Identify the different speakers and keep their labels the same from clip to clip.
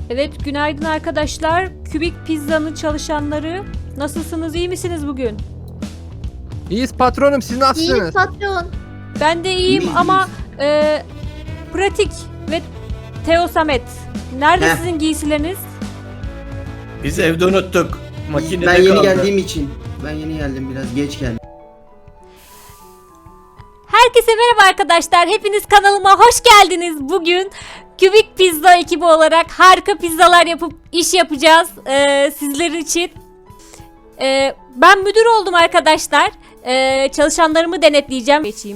Speaker 1: Evet, günaydın arkadaşlar. Kübik Pizza'nın çalışanları. Nasılsınız, iyi misiniz bugün?
Speaker 2: İyiyiz patronum, siz
Speaker 3: İyi
Speaker 2: nasılsınız?
Speaker 3: patron.
Speaker 1: Ben de iyiyim ama Pratik ve Teo Samet. Nerede
Speaker 4: Heh.
Speaker 1: sizin giysileriniz?
Speaker 4: Biz evde unuttuk. Makinede
Speaker 5: Ben yeni
Speaker 4: kaldı.
Speaker 5: geldiğim için. Ben yeni geldim, biraz geç geldim.
Speaker 1: Herkese merhaba arkadaşlar. Hepiniz kanalıma hoş geldiniz. Bugün Kübik Pizza ekibi olarak harika pizzalar yapıp iş yapacağız sizler için. Ben müdür oldum arkadaşlar. Çalışanlarımı denetleyeceğim. Geçeyim.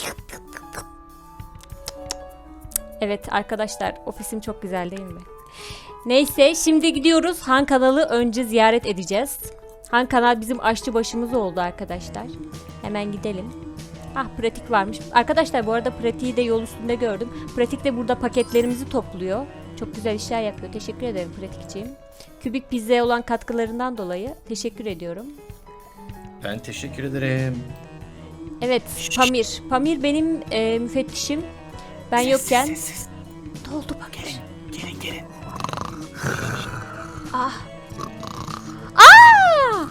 Speaker 1: Evet arkadaşlar, ofisim çok güzel değil mi? Neyse, şimdi gidiyoruz. Han kanalı önce ziyaret edeceğiz. Han kanal bizim aşçı başımız oldu arkadaşlar. Hemen gidelim. Ah, pratik varmış. Arkadaşlar bu arada pratiği de yol üstünde gördüm. Pratik de burada paketlerimizi topluyor. Çok güzel işler yapıyor. Teşekkür ederim pratikçiğim. Kübik Pizza'ya olan katkılarından dolayı teşekkür ediyorum.
Speaker 4: Ben teşekkür ederim.
Speaker 1: Evet, Pamir. Pamir benim müfettişim. Ben yokken...
Speaker 4: Sessiz.
Speaker 1: Doldu Pamir.
Speaker 4: Gelin.
Speaker 1: Ah. Aa!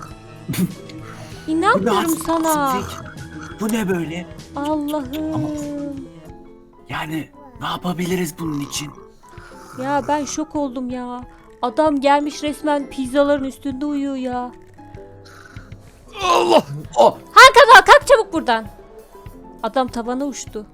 Speaker 1: İnanmıyorum sana.
Speaker 6: Bu ne böyle?
Speaker 1: Allah'ım.
Speaker 6: Yani ne yapabiliriz bunun için?
Speaker 1: Ya ben şok oldum ya. Adam gelmiş resmen pizzaların üstünde uyuyor ya.
Speaker 2: Allah!
Speaker 6: Oh!
Speaker 1: Hakan kalk çabuk buradan. Adam tavana uçtu.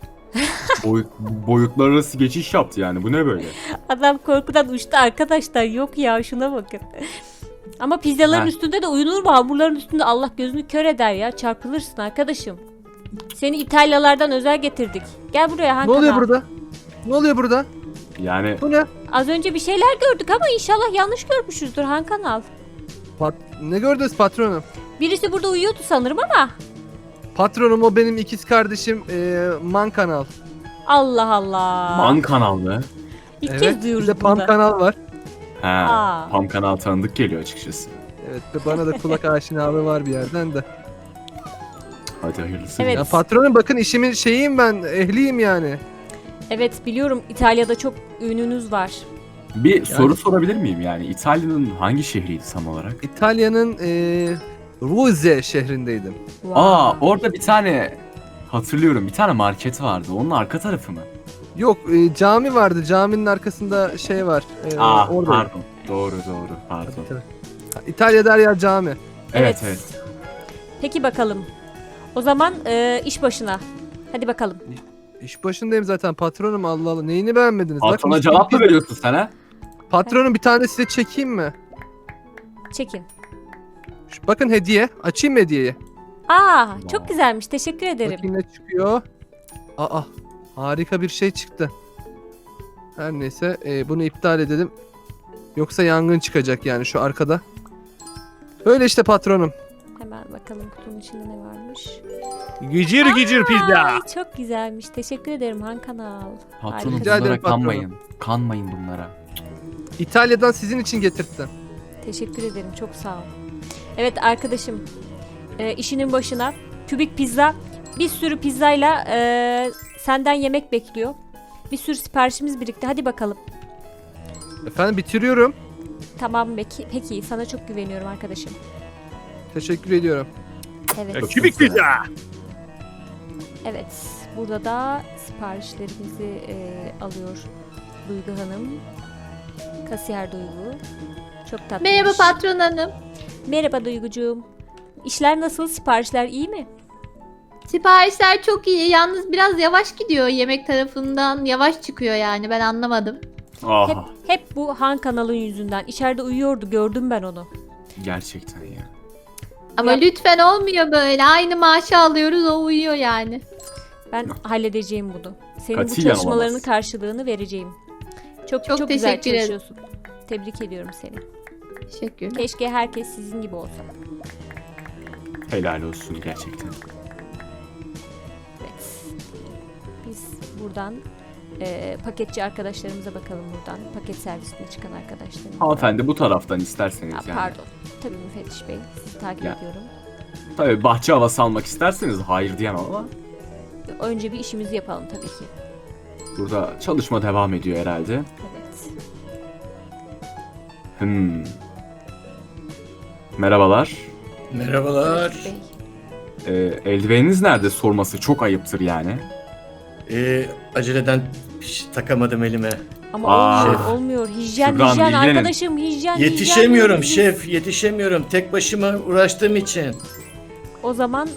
Speaker 7: Boyutlar arası geçiş yaptı yani. Bu ne böyle?
Speaker 1: Adam korkudan uçtu arkadaşlar. Yok ya, şuna bakın. Ama pizzaların
Speaker 7: Ha.
Speaker 1: üstünde de uyunur mu? Hamurların üstünde Allah gözünü kör eder ya. Çarpılırsın arkadaşım. Seni İtalyalardan özel getirdik. Gel buraya
Speaker 2: Ne
Speaker 1: Hakan.
Speaker 2: oluyor burada? Ne oluyor burada?
Speaker 7: Yani
Speaker 2: Bu ne?
Speaker 1: Az önce bir şeyler gördük ama inşallah yanlış görmüşüzdür Hakan al.
Speaker 2: Ne gördünüz patronum?
Speaker 1: Birisi burada uyuyordu sanırım ama.
Speaker 2: Patronum o benim ikiz kardeşim Man Kanal.
Speaker 1: Allah Allah.
Speaker 7: Man kanal mı?
Speaker 1: İlk
Speaker 2: Evet,
Speaker 1: kez
Speaker 2: bir
Speaker 1: duyuyoruz
Speaker 2: de Pam
Speaker 1: bunu.
Speaker 2: Kanal var.
Speaker 7: He.
Speaker 1: Aa.
Speaker 7: Pam kanal tanıdık geliyor açıkçası.
Speaker 2: Evet, bana da kulak aşinalığı var bir yerden de.
Speaker 7: Hadi hayırlısı.
Speaker 1: Evet.
Speaker 2: Ya patronum bakın, işimin şeyiyim ben, ehliyim yani.
Speaker 1: Evet biliyorum, İtalya'da çok ününüz var.
Speaker 7: Bir soru sorabilir miyim yani? İtalya'nın hangi şehriydi tam olarak?
Speaker 2: İtalya'nın Ruze şehrindeydim.
Speaker 1: Wow.
Speaker 7: Aa, orada bir tane hatırlıyorum. Bir tane market vardı. Onun arka tarafı mı?
Speaker 2: Yok, cami vardı. Caminin arkasında şey var. Oradayım.
Speaker 7: Pardon. Doğru. Pardon.
Speaker 2: Tabii. İtalya'da her yer cami.
Speaker 7: Evet.
Speaker 1: Peki bakalım. O zaman iş başına. Hadi bakalım.
Speaker 2: İş başındayım zaten patronum, Allah Allah. Neyini beğenmediniz? Bak,
Speaker 7: Patrona
Speaker 2: mis
Speaker 7: cevap
Speaker 2: gibi
Speaker 7: mı veriyorsun sen ha?
Speaker 2: Patronum, bir tane size çekeyim mi?
Speaker 1: Çekin.
Speaker 2: Bakın hediye. Açayım mı hediyeyi?
Speaker 1: Aa, çok güzelmiş. Teşekkür ederim.
Speaker 2: Bakayım ne çıkıyor. Aa, harika bir şey çıktı. Her neyse, bunu iptal edelim. Yoksa yangın çıkacak yani şu arkada. Böyle işte patronum.
Speaker 1: Hemen bakalım kutunun içinde ne varmış.
Speaker 2: Gıcır gıcır pizza.
Speaker 1: Ay, çok güzelmiş. Teşekkür ederim Han Kanal.
Speaker 7: Patronum
Speaker 2: Rica ederim
Speaker 7: bunlara
Speaker 2: patronum.
Speaker 7: kanmayın. Kanmayın bunlara.
Speaker 2: İtalya'dan sizin için getirttim.
Speaker 1: Teşekkür ederim. Çok sağ ol. Evet arkadaşım. İşinin başına. Kübik Pizza. Bir sürü pizzayla senden yemek bekliyor. Bir sürü siparişimiz birikti. Hadi bakalım.
Speaker 2: Efendim, bitiriyorum.
Speaker 1: Tamam peki. Sana çok güveniyorum arkadaşım.
Speaker 2: Teşekkür ediyorum.
Speaker 1: Evet.
Speaker 7: Kübik pizza.
Speaker 1: Evet. Burada da siparişlerimizi alıyor Duygu Hanım. Kasiyer Duygu. Çok tatlı.
Speaker 3: Merhaba patron hanım.
Speaker 1: Merhaba Duygucuğum. İşler nasıl? Siparişler iyi mi?
Speaker 3: Siparişler çok iyi. Yalnız biraz yavaş gidiyor. Yemek tarafından yavaş çıkıyor yani. Ben anlamadım.
Speaker 7: Aha.
Speaker 1: Hep bu Han kanalın yüzünden. İçeride uyuyordu. Gördüm ben onu.
Speaker 7: Gerçekten ya.
Speaker 3: Ama
Speaker 1: Ya-
Speaker 3: lütfen olmuyor böyle. Aynı maaşı alıyoruz, o uyuyor yani.
Speaker 1: Ben halledeceğim bunu. Senin bu
Speaker 7: Katiyen
Speaker 1: çalışmalarının
Speaker 7: olamaz.
Speaker 1: karşılığını vereceğim. Çok
Speaker 3: Çok
Speaker 1: güzel
Speaker 3: teşekkür ederim.
Speaker 1: çalışıyorsun. Tebrik ediyorum seni.
Speaker 3: Teşekkürler.
Speaker 1: Keşke herkes sizin gibi olsa.
Speaker 7: Helal olsun gerçekten.
Speaker 1: Evet. Biz buradan paketçi arkadaşlarımıza bakalım buradan. Paket servisine çıkan arkadaşlarımıza.
Speaker 7: Hanımefendi bu taraftan isterseniz
Speaker 1: Ha,
Speaker 7: yani.
Speaker 1: pardon. Tabii müfettiş bey. Sizi takip
Speaker 7: Ya.
Speaker 1: ediyorum.
Speaker 7: Tabii bahçe havası almak isterseniz hayır diyemem ama
Speaker 1: Önce bir işimizi yapalım tabii ki.
Speaker 7: burada çalışma devam ediyor herhalde.
Speaker 1: Evet.
Speaker 7: Merhabalar.
Speaker 4: Merhabalar.
Speaker 1: Pratik Bey.
Speaker 7: Eldiveniniz nerede sorması çok ayıptır yani.
Speaker 4: Aceleden takamadım elime.
Speaker 1: Ama
Speaker 7: Aa.
Speaker 1: olmuyor, olmuyor. Hijyen,
Speaker 7: Şükran,
Speaker 1: hijyen
Speaker 7: ilgilenin.
Speaker 1: arkadaşım, hijyen.
Speaker 4: Yetişemiyorum
Speaker 1: hijyen.
Speaker 4: şef, yetişemiyorum. Tek başıma uğraştığım için.
Speaker 1: O zaman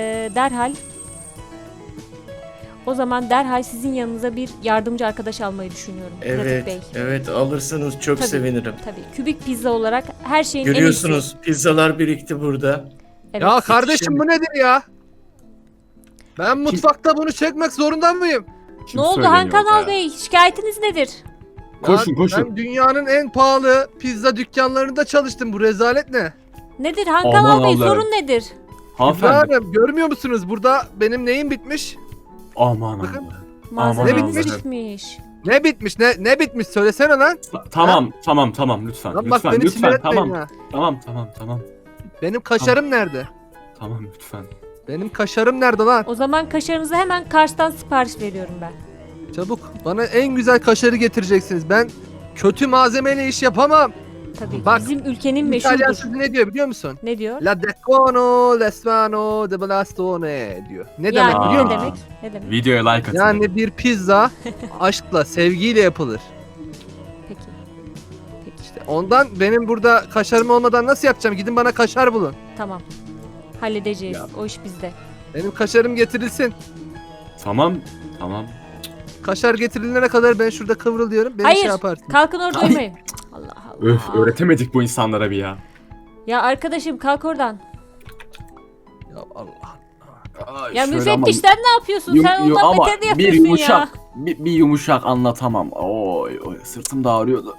Speaker 1: derhal sizin yanınıza bir yardımcı arkadaş almayı düşünüyorum. Pratik Bey.
Speaker 4: Evet, evet alırsanız çok
Speaker 1: Tabii.
Speaker 4: sevinirim.
Speaker 1: Tabii. Kübik pizza olarak her şeyin en iyisi.
Speaker 4: Görüyorsunuz pizzalar birikti burada.
Speaker 1: Evet.
Speaker 2: Ya kardeşim bu nedir ya? Ben mutfakta bunu çekmek zorunda mıyım?
Speaker 7: Kim
Speaker 1: Ne oldu
Speaker 7: söyleniyor
Speaker 1: Hankanal
Speaker 7: ya?
Speaker 1: Bey? Şikayetiniz nedir?
Speaker 7: Koşun,
Speaker 2: Ya
Speaker 7: koşun.
Speaker 2: Ben dünyanın en pahalı pizza dükkanlarında çalıştım. Bu rezalet ne?
Speaker 1: Nedir Hankanal
Speaker 7: Aman
Speaker 1: Bey?
Speaker 7: Allah'ım.
Speaker 1: Sorun nedir?
Speaker 7: Hanımefendi.
Speaker 2: Hanım görmüyor musunuz? Burada benim neyim bitmiş?
Speaker 7: Aman
Speaker 2: Bakın.
Speaker 7: Allah'ım.
Speaker 1: Malzememiz
Speaker 2: bitmiş?
Speaker 1: bitmiş.
Speaker 2: Ne bitmiş? Ne bitmiş? Söylesene lan.
Speaker 7: Tamam lütfen.
Speaker 2: Lan bak
Speaker 7: lütfen
Speaker 2: beni sinir etmeyin
Speaker 7: tamam.
Speaker 2: ha.
Speaker 7: Tamam.
Speaker 2: Benim kaşarım nerede?
Speaker 7: Tamam lütfen.
Speaker 2: Benim kaşarım nerede lan?
Speaker 1: O zaman kaşarınızı hemen Kars'tan sipariş veriyorum ben.
Speaker 2: Çabuk. Bana en güzel kaşarı getireceksiniz. Ben kötü malzemeyle iş yapamam.
Speaker 1: Tabii.
Speaker 2: Bak,
Speaker 1: Bizim ülkenin
Speaker 2: İtalyan
Speaker 1: meşhurdur.
Speaker 2: sözü ne diyor biliyor musun?
Speaker 1: Ne diyor?
Speaker 2: La decono, l'esmano, de blastone diyor. Ne demek
Speaker 1: Yani
Speaker 2: biliyor
Speaker 1: ne
Speaker 2: musun?
Speaker 1: demek? Ne demek?
Speaker 7: Videoya like atın.
Speaker 2: Yani bir pizza aşkla, sevgiyle yapılır.
Speaker 1: Peki. Peki.
Speaker 2: Ondan benim burada kaşarım olmadan nasıl yapacağım? Gidin bana kaşar bulun.
Speaker 1: Tamam. Halledeceğiz.
Speaker 7: Ya.
Speaker 1: O iş bizde.
Speaker 2: Benim kaşarım getirilsin.
Speaker 7: Tamam.
Speaker 2: Kaşar getirilene kadar ben şurada kıvrılıyorum. Beni
Speaker 1: Hayır.
Speaker 2: şey yaparsın.
Speaker 1: Kalkın orada
Speaker 7: Ay.
Speaker 1: uyumayın. Allah Allah.
Speaker 7: Öf, öğretemedik bu insanlara bir ya.
Speaker 1: Ya arkadaşım kalk oradan.
Speaker 2: Ya Allah.
Speaker 1: Ya
Speaker 7: Şöyle
Speaker 1: müfettişten ne yapıyorsun?
Speaker 7: Yum-
Speaker 1: Sen
Speaker 7: yum-
Speaker 1: ondan
Speaker 7: ama
Speaker 1: beter de
Speaker 7: bir
Speaker 1: yapıyorsun
Speaker 7: yumuşak,
Speaker 1: ya.
Speaker 7: bir yumuşak anlatamam. Oy sırtım da ağrıyordu.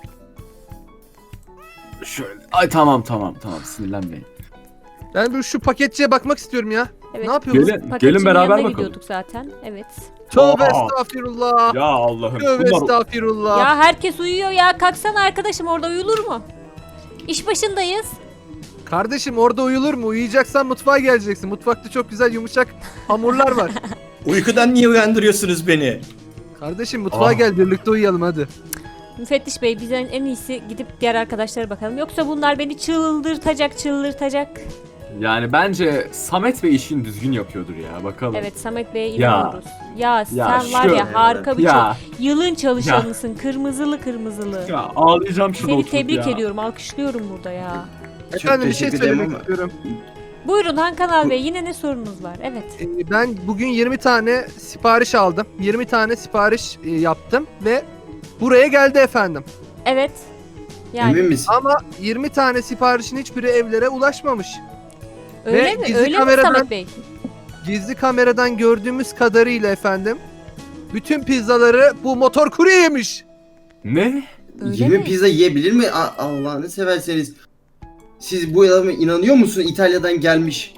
Speaker 7: Şöyle. Ay tamam sinirlenmeyin.
Speaker 2: Ben bir şu paketçiye bakmak istiyorum ya.
Speaker 1: Evet.
Speaker 2: Ne yapıyoruz?
Speaker 7: Gelin
Speaker 1: Paketçinin
Speaker 7: beraber
Speaker 1: yanına
Speaker 7: bakalım.
Speaker 1: gidiyorduk zaten. Evet.
Speaker 2: Tövbe
Speaker 7: Aa.
Speaker 2: estağfirullah.
Speaker 7: Ya Allah'ım.
Speaker 2: Tövbe
Speaker 7: Bunlar
Speaker 2: estağfirullah.
Speaker 1: Ya herkes uyuyor ya. Kalksana arkadaşım, orada uyulur mu? İş başındayız.
Speaker 2: Kardeşim orada uyulur mu? Uyuyacaksan mutfağa geleceksin. Mutfakta çok güzel yumuşak hamurlar var.
Speaker 4: Uykudan niye uyandırıyorsunuz beni?
Speaker 2: Kardeşim mutfağa
Speaker 7: Ah.
Speaker 2: gel birlikte uyuyalım hadi.
Speaker 1: Müfettiş Bey, bizden en iyisi gidip diğer arkadaşlara bakalım. Yoksa bunlar beni çıldırtacak.
Speaker 7: Yani bence Samet Bey işini düzgün yapıyordur ya. Bakalım.
Speaker 1: Evet, Samet Bey'e
Speaker 7: Ya.
Speaker 1: inanıyoruz. Ya sen var
Speaker 7: şöyle,
Speaker 1: ya harika bir
Speaker 7: ya.
Speaker 1: yılın çalışanısın. Kırmızılı.
Speaker 7: Ya ağlayacağım şurada
Speaker 1: Seni
Speaker 7: oturup
Speaker 1: tebrik
Speaker 7: ya.
Speaker 1: ediyorum. Alkışlıyorum burada ya.
Speaker 2: Efendim bir şey
Speaker 5: teşekkür ederim
Speaker 2: söylemek
Speaker 5: ama-
Speaker 2: istiyorum.
Speaker 1: Buyurun Hankanal Bey, yine ne sorunuz var? Evet.
Speaker 2: Ben bugün 20 tane sipariş aldım. 20 tane sipariş yaptım ve buraya geldi efendim.
Speaker 1: Evet. Yani
Speaker 5: Emin misin?
Speaker 2: Ama 20 tane siparişin hiçbiri evlere ulaşmamış.
Speaker 1: öyle
Speaker 2: ve
Speaker 1: mi?
Speaker 2: gizli
Speaker 1: Öyle mi
Speaker 2: kameradan-
Speaker 1: Samet Bey?
Speaker 2: Gizli kameradan gördüğümüz kadarıyla efendim bütün pizzaları bu motor kurye yemiş.
Speaker 7: Ne?
Speaker 1: Öyle
Speaker 5: 20
Speaker 1: mi?
Speaker 5: pizza yiyebilir mi? Allah'ını severseniz. Siz bu adama inanıyor musun? İtalya'dan gelmiş.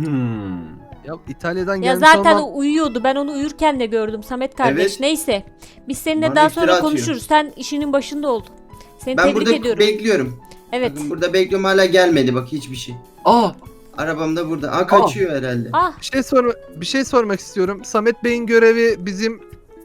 Speaker 2: Ya İtalya'dan
Speaker 1: Ya
Speaker 2: gelmiş
Speaker 1: zaten
Speaker 2: olmam.
Speaker 1: o uyuyordu. Ben onu uyurken de gördüm Samet kardeş.
Speaker 5: Evet.
Speaker 1: Neyse. Biz seninle
Speaker 5: Bana
Speaker 1: daha
Speaker 5: iftira
Speaker 1: sonra
Speaker 5: atıyor.
Speaker 1: konuşuruz. Sen işinin başında ol. Seni
Speaker 5: Ben
Speaker 1: tebrik
Speaker 5: burada
Speaker 1: ediyorum.
Speaker 5: bekliyorum.
Speaker 1: Evet.
Speaker 5: Bakın burada bekliyorum, hala gelmedi bak hiçbir şey.
Speaker 7: Aa,
Speaker 5: Arabam da burada. Kaçıyor herhalde.
Speaker 1: Ah,
Speaker 2: Bir şey sormak istiyorum. Samet Bey'in görevi bizim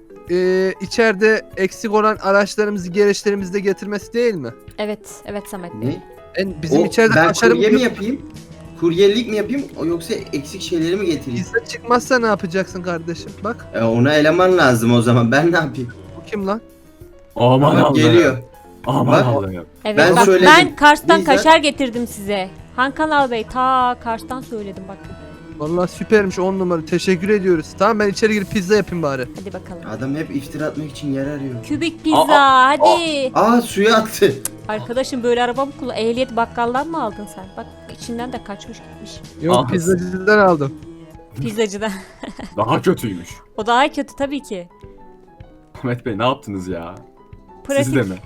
Speaker 2: içeride eksik olan araçlarımızı gereçlerimizde getirmesi değil mi?
Speaker 1: evet Samet Bey.
Speaker 5: Ne?
Speaker 2: Bizim
Speaker 5: O,
Speaker 2: içeride
Speaker 5: ben
Speaker 2: kaşarım
Speaker 5: kurye mi yapayım? Kuryelik mi yapayım? Yoksa eksik şeyleri mi getireyim?
Speaker 2: Pizza çıkmazsa ne yapacaksın kardeşim? Bak
Speaker 5: Ona eleman lazım o zaman. Ben ne yapayım?
Speaker 2: bu kim lan?
Speaker 7: aman
Speaker 5: Bak
Speaker 7: Allah'ım.
Speaker 5: geliyor.
Speaker 7: Aman
Speaker 5: Bak.
Speaker 7: Allah'ım.
Speaker 1: Evet
Speaker 5: Ben
Speaker 1: bak
Speaker 5: söyledim.
Speaker 1: ben Kars'tan
Speaker 5: Bizzat-
Speaker 1: kaşar getirdim size. Hankanal Bey ta Kars'tan söyledim bak.
Speaker 2: Vallahi süpermiş 10 numara. Teşekkür ediyoruz. Tamam ben içeri girip pizza yapayım bari.
Speaker 1: Hadi bakalım.
Speaker 5: Adam hep iftira atmak için yer arıyor.
Speaker 1: Kübik pizza hadi.
Speaker 5: Suya attı.
Speaker 1: Arkadaşım böyle araba mı kullan? Ehliyet bakkaldan mı aldın sen? Bak içinden de kaçmış gitmiş.
Speaker 2: Yok
Speaker 7: Ah.
Speaker 2: pizzacıdan aldım.
Speaker 1: Pizzacıdan.
Speaker 7: Daha kötüymüş.
Speaker 1: O daha kötü tabii ki.
Speaker 7: Ahmet Bey ne yaptınız ya?
Speaker 1: Pratik.
Speaker 7: Siz de mi?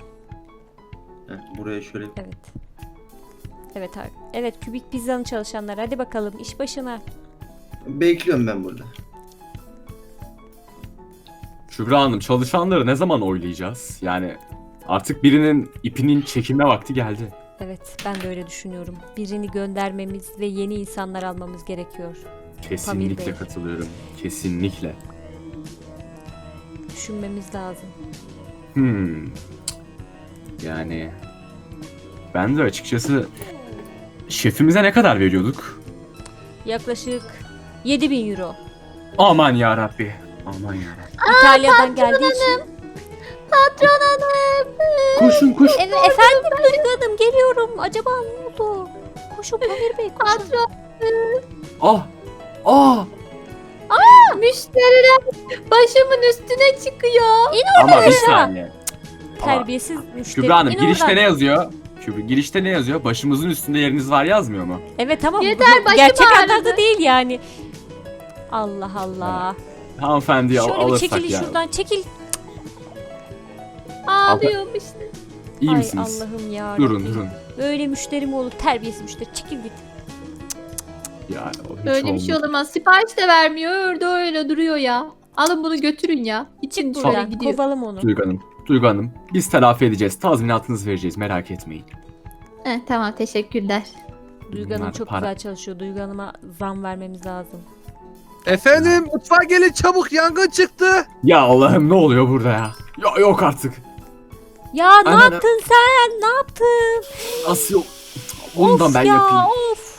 Speaker 5: Buraya şöyle.
Speaker 1: Evet. Evet abi. Evet kübik pizzanın çalışanları. Hadi bakalım iş başına.
Speaker 5: Bekliyorum ben burada.
Speaker 7: Şübra Hanım, çalışanları ne zaman oylayacağız? Yani artık birinin ipinin çekilme vakti geldi.
Speaker 1: Evet ben de öyle düşünüyorum. Birini göndermemiz ve yeni insanlar almamız gerekiyor. Pamir
Speaker 7: Kesinlikle
Speaker 1: Bey.
Speaker 7: katılıyorum. Kesinlikle.
Speaker 1: Düşünmemiz lazım.
Speaker 7: Yani Ben de açıkçası şefimize ne kadar veriyorduk?
Speaker 1: Yaklaşık 7.000 euro.
Speaker 7: Aman ya Rabbi. Aman ya Rabbi.
Speaker 1: İtalya'dan geldiği için.
Speaker 3: Patron hanım.
Speaker 7: Koşun koş.
Speaker 1: Efendim Duygu Hanım geliyorum. Acaba ne oldu? Koşun Pamir Bey koşun.
Speaker 3: Patron.
Speaker 7: Ah. Ah.
Speaker 3: Müşteriler başımın üstüne çıkıyor.
Speaker 7: Ama bir
Speaker 1: aşağı.
Speaker 7: saniye.
Speaker 1: Terbiyesiz müşteri.
Speaker 7: Kübra Hanım
Speaker 1: İn
Speaker 7: girişte
Speaker 1: oradan.
Speaker 7: ne yazıyor? Girişte ne yazıyor? Başımızın üstünde yeriniz var yazmıyor mu?
Speaker 1: Evet tamam.
Speaker 3: Yeter,
Speaker 1: bu
Speaker 3: başım
Speaker 1: gerçek
Speaker 3: ağrıdı.
Speaker 1: anlamda değil yani. Allah Allah.
Speaker 7: Hanımefendiyi
Speaker 1: Şöyle bir
Speaker 7: alırsak
Speaker 1: çekilin
Speaker 7: ya.
Speaker 1: şuradan çekil.
Speaker 3: Ağlıyorum işte.
Speaker 7: İyi
Speaker 1: Ay
Speaker 7: misiniz?
Speaker 1: Allah'ım ya.
Speaker 7: Durun
Speaker 1: Rabbim.
Speaker 7: durun.
Speaker 1: Böyle müşteri mi olur? Terbiyesiz müşteri. Çekil git.
Speaker 7: Ya o hiç
Speaker 3: Böyle bir şey
Speaker 7: olmadı.
Speaker 3: olamaz. Sipariş de vermiyor. Orada öyle duruyor ya. Alın bunu götürün ya. İçin
Speaker 1: Çık
Speaker 3: şöyle
Speaker 1: buradan.
Speaker 3: gidiyor.
Speaker 1: Kovalım onu.
Speaker 7: Duygu Hanım, biz telafi edeceğiz. Tazminatınızı vereceğiz. Merak etmeyin.
Speaker 3: Tamam teşekkürler.
Speaker 1: Duygu Hanım
Speaker 7: Bunlar
Speaker 1: çok
Speaker 7: para.
Speaker 1: güzel çalışıyor. Duygu Hanım'a zam vermemiz lazım.
Speaker 2: Efendim mutfağa gelin çabuk, yangın çıktı.
Speaker 7: Ya Allah'ım ne oluyor burada ya? Ya yok artık.
Speaker 1: Ya ne
Speaker 7: Aynen.
Speaker 1: yaptın sen? Ne yaptın?
Speaker 7: Nasıl yok? Ondan
Speaker 1: Of
Speaker 7: ben
Speaker 1: ya,
Speaker 7: yapayım.
Speaker 1: Of.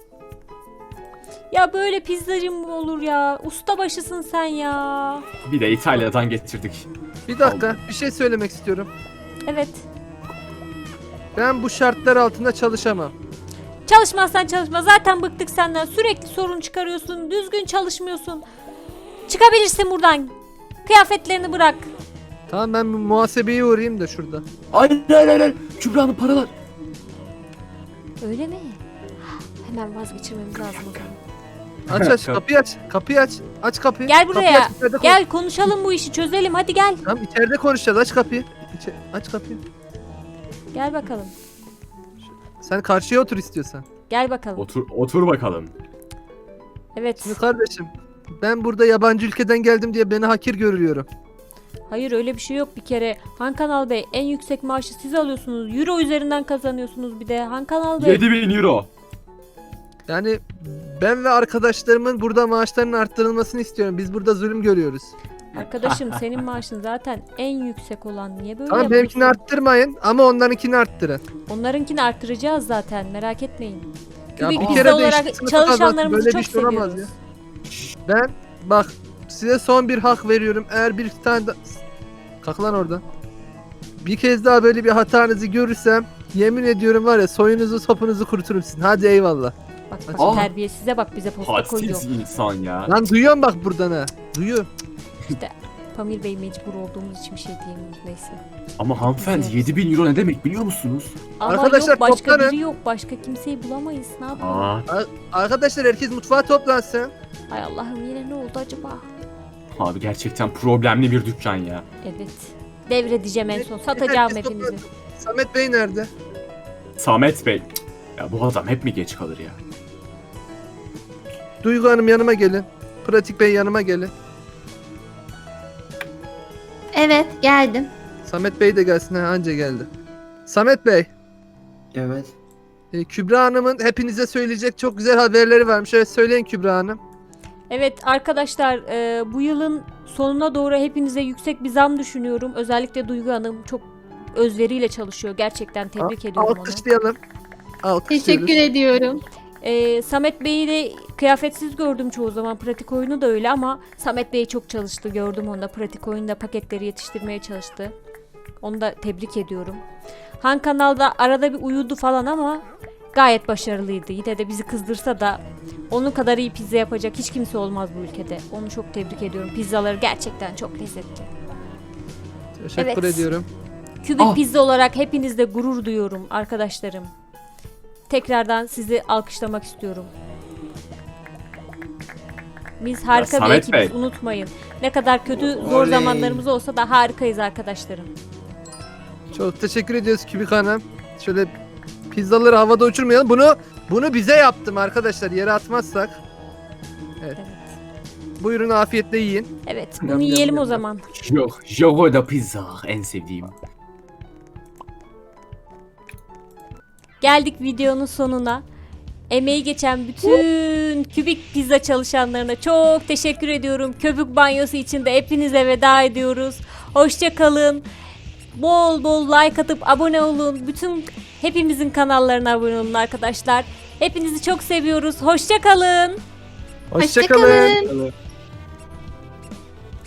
Speaker 1: Ya böyle pizzacı mı olur ya? Ustabaşısın sen ya.
Speaker 7: Bir de İtalya'dan getirdik.
Speaker 2: Bir dakika, bir şey söylemek istiyorum.
Speaker 1: Evet.
Speaker 2: Ben bu şartlar altında çalışamam.
Speaker 1: Çalışmazsan çalışma. Zaten bıktık senden. Sürekli sorun çıkarıyorsun. Düzgün çalışmıyorsun. Çıkabilirsin buradan. Kıyafetlerini bırak.
Speaker 2: Tamam, ben bir muhasebeye uğrayayım da şurada.
Speaker 7: Hayır. Kübra Hanım paralar.
Speaker 1: Öyle mi? Hemen vazgeçirmemiz lazım o zaman.
Speaker 2: Aç kapıyı aç. Kapıyı aç. Aç kapıyı.
Speaker 1: Gel
Speaker 2: Kapıyı
Speaker 1: buraya.
Speaker 2: aç, içeride
Speaker 1: Gel konuşalım bu işi çözelim. Hadi gel.
Speaker 2: Tamam, içeride konuşacağız. Aç kapıyı. Aç kapıyı.
Speaker 1: Gel bakalım.
Speaker 2: Sen karşıya otur istiyorsan.
Speaker 1: Gel bakalım.
Speaker 7: Otur bakalım.
Speaker 1: Evet.
Speaker 2: Şimdi kardeşim, ben burada yabancı ülkeden geldim diye beni hakir görüyorum.
Speaker 1: Hayır öyle bir şey yok bir kere. Han Kanal Bey en yüksek maaşı siz alıyorsunuz. Euro üzerinden kazanıyorsunuz bir de. Han Kanal Bey.
Speaker 7: 7000 euro.
Speaker 2: Yani ben ve arkadaşlarımın burada maaşlarının arttırılmasını istiyorum. Biz burada zulüm görüyoruz.
Speaker 1: Arkadaşım senin maaşın zaten en yüksek olan. Niye böyle
Speaker 2: Tamam,
Speaker 1: yapıyorsun?
Speaker 2: benimkini arttırmayın ama onlarınkini arttırın.
Speaker 1: Onlarınkini artıracağız zaten merak etmeyin.
Speaker 2: Ya
Speaker 1: Kübik
Speaker 2: bir
Speaker 1: pizza
Speaker 2: kere de
Speaker 1: olarak
Speaker 2: işte sınıfı kazandım.
Speaker 1: çalışanlarımızı
Speaker 2: Böyle
Speaker 1: çok
Speaker 2: bir şey olamaz
Speaker 1: seviyoruz.
Speaker 2: ya. Ben bak size son bir hak veriyorum. Eğer bir tane da... Kalk lan oradan. Bir kez daha böyle bir hatanızı görürsem yemin ediyorum var ya, soyunuzu sopunuzu kuruturum sizin. Hadi eyvallah.
Speaker 1: Bak bak
Speaker 7: Aa.
Speaker 1: terbiyesize bak bize posta koyuyor.
Speaker 7: Hadsiz insan ya.
Speaker 2: Lan duyuyorum bak buradan ha. Duyuyorum.
Speaker 1: İşte Pamir Bey mecbur olduğumuz için bir şey diyemiyoruz neyse.
Speaker 7: Ama hanımefendi
Speaker 1: Evet.
Speaker 7: 7000 euro ne demek biliyor musunuz?
Speaker 1: Ama
Speaker 2: Arkadaşlar,
Speaker 1: yok başka
Speaker 2: toplanın.
Speaker 1: biri yok. Başka kimseyi bulamayız. Ne yapalım?
Speaker 7: Aa,
Speaker 2: Arkadaşlar herkes mutfağa toplansın.
Speaker 1: Ay Allah'ım yine ne oldu acaba?
Speaker 7: abi gerçekten problemli bir dükkan ya.
Speaker 1: Evet. Devredeceğim en son. Satacağım
Speaker 2: Herkes
Speaker 1: hepinizi.
Speaker 2: toplansın. Samet Bey nerede?
Speaker 7: Samet Bey. Ya bu adam hep mi geç kalır ya?
Speaker 2: Duygu Hanım yanıma gelin. Pratik Bey yanıma gelin.
Speaker 3: Evet geldim.
Speaker 2: Samet Bey de gelsin, ha anca geldi. Samet Bey,
Speaker 5: Evet.
Speaker 2: Kübra Hanım'ın hepinize söyleyecek çok güzel haberleri varmış. Evet, söyleyin Kübra Hanım.
Speaker 1: Evet arkadaşlar bu yılın sonuna doğru hepinize yüksek bir zam düşünüyorum. Özellikle Duygu Hanım çok özveriyle çalışıyor. Gerçekten tebrik ediyorum onu.
Speaker 2: Alkışlayalım. Alkışlıyoruz.
Speaker 3: Teşekkür ediyorum.
Speaker 1: Samet Bey'i de kıyafetsiz gördüm çoğu zaman. Pratik oyunu da öyle ama Samet Bey çok çalıştı. Gördüm onda. Pratik oyunda paketleri yetiştirmeye çalıştı. Onu da tebrik ediyorum. Han Kanal'da arada bir uyudu falan ama gayet başarılıydı. Yine de bizi kızdırsa da onun kadar iyi pizza yapacak hiç kimse olmaz bu ülkede. Onu çok tebrik ediyorum. Pizzaları gerçekten çok lezzetli.
Speaker 2: Teşekkür
Speaker 1: Evet.
Speaker 2: ediyorum.
Speaker 1: Kübik
Speaker 7: Ah.
Speaker 1: pizza olarak hepinizle gurur duyuyorum arkadaşlarım. Tekrardan sizi alkışlamak istiyorum. Biz harika bir
Speaker 7: Samet
Speaker 1: ekibiz
Speaker 7: Bey.
Speaker 1: unutmayın. Ne kadar kötü zor
Speaker 5: Oley.
Speaker 1: zamanlarımız olsa da harikayız arkadaşlarım.
Speaker 2: Çok teşekkür ediyoruz Kübik Hanım. Şöyle pizzaları havada uçurmayalım. Bunu bize yaptım arkadaşlar. Yere atmazsak. Evet.
Speaker 1: Evet.
Speaker 2: Buyurun afiyetle yiyin.
Speaker 1: Evet
Speaker 2: Yam,
Speaker 1: bunu
Speaker 2: yam,
Speaker 1: yiyelim
Speaker 2: yam,
Speaker 1: o zaman.
Speaker 7: Yok, Jogo da pizza en sevdiğim.
Speaker 1: Geldik videonun sonuna. Emeği geçen bütün Kübik pizza çalışanlarına çok teşekkür ediyorum. Köpük banyosu için de hepinize veda ediyoruz. Hoşça kalın. Bol bol like atıp abone olun. Bütün hepimizin kanallarına abone olun arkadaşlar. Hepinizi çok seviyoruz. Hoşça kalın.
Speaker 2: Hoşçakalın.
Speaker 3: Hoşça kalın.